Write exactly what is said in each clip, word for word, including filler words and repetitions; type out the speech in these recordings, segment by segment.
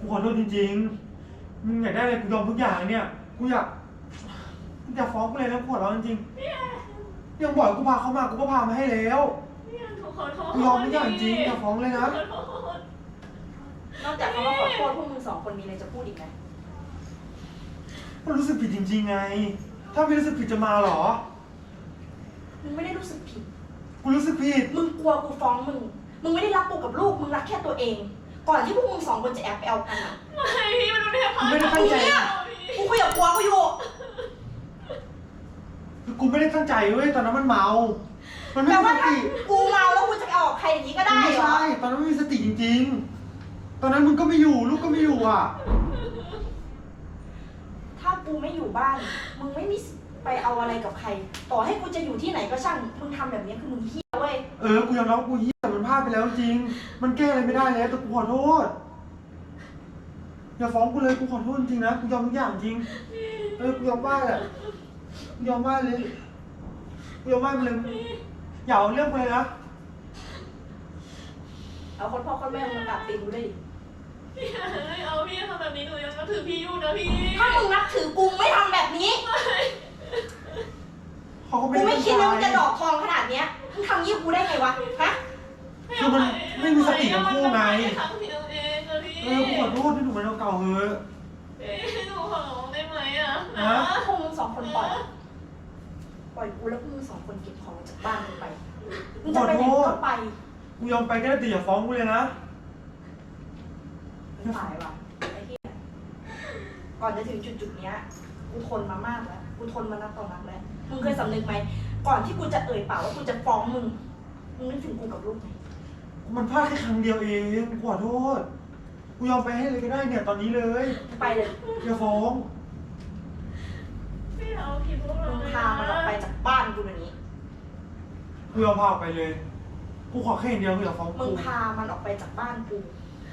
กูขอโทษจริงๆมึงอยากได้อะไรกูยอมทุกอย่างเนี่ยกูอยากกูอยากฟ้องกูเลยนะกูขอร้องจริงๆยังบอกกูพาเขามากูก็พามาให้แล้วกูยอมทุกอย่างจริงอยากฟ้องเลยนะนอกจากคำว่าขอโทษพวกมึงสองคนมีอะไรจะพูดอีกไหมก็รู้สึกผิดจริงๆไงถ้าไม่รู้สึกผิดจะมาหรอมึงไม่ได้รู้สึกผิดกูรู้สึกผิดมึงกลัวกูฟ้องมึงมึงไม่ได้รักกูกับลูกมึงรักแค่ตัวเองก่อนที่พวกมึงสองคนจะแอบไปเอากันอ่ะไม่พี่มันไม่ได้พาไม่ได้ตั้งใจกูคุยกับผัวกูอยู่กูไม่ได้ตั้งใจเว้ยตอนนั้นมันเมามันไม่แต่มีว่าสถ้าติกูเมาแล้วกูจะไปเอากับใครอย่างนี้ก็ได้เหรอไม่ใช่ตอนนั้นไม่มีสติจริงๆตอนนั้นมึงก็ไม่อยู่ลูกก็ไม่อยู่อ่ะถ้ากูไม่อยู่บ้านมึงไม่มีไปเอาอะไรกับใครต่อให้กูจะอยู่ที่ไหนก็ช่างมึงทำแบบนี้คือมึงเหี้ยเว้ยเออกูยอมรับกูเหี้ยแต่มันพลาดไปแล้วจริงมันแก้อะไรไม่ได้แล้วแต่กูขอโทษอย่าฟ้องกูเลยกูขอโทษจริงนะกูยอมทุกอย่างจริงเออกูยอมว่าแหละกูยอมว่าเลยกูยอมว่าไปเลยอย่าเอาเรื่องไปเลยนะเอาคนพ่อคนแม่มึงมากราบตีนกูเลยพี่เอาพี่ทำแบบนี้หนูยังนับถือพี่อยู่นะพี่ถ้ามึงนับถือกูไม่ทำแบบนี้เขาก็ไม่กูได้ไม่ตั้งคิดใจว่ามึงจะดอกทองขนาดเนี้ยมึงทำยี่กูได้ไงวะฮะคือมันไม่มีสติทั้งคู่ไงทำผิดเองนะพี่เออกูขอโทษที่หนูมันเก่าๆเถอะหนูขอร้องได้ไหมอ่ะนะพวกมึงสองคนปล่อยปล่อยกูแล้วพวกมึงสองคนเก็บของจากบ้านมึงไปมึงจะไปไหนก็ไปกูยอมไปก็ได้แต่อย่าฟ้องกูเลยนะไม่ตายว่ะไอ้เหี้ยก่อนจะถึงจุดจุดเนี้ยกูทนมามากแล้วกูทนมานักต่อนักแล้วมึงเคยสำนึกไหมก่อนที่กูจะเอ่ยปากว่ากูจะฟ้องมึงมึงนึกถึงกูกับลูกไหมมันพลาดแค่ครั้งเดียวเองกูขอโทษกูยอมไปให้เลยก็ได้เนี่ยตอนนี้เลยไปเลยอย่าฟ้องพี่เอาผิดพวกเรามึงพามันออกไปจากบ้านกูเดี๋ยวนี้กูยอมพาออกไปเลยกูขอแค่อย่างเดียวกูอย่าฟ้องมึกูงพามันออกไปจากบ้านกู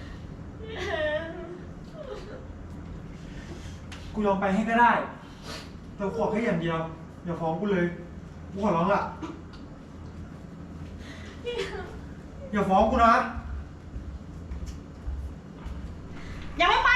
กูยอมไปให้ก็ได้แต่ขอแค่อย่างเดียวอย่าฟ้องกูเลยกูขอร้องละอย่าฟ้องกูนะยังไม่ไป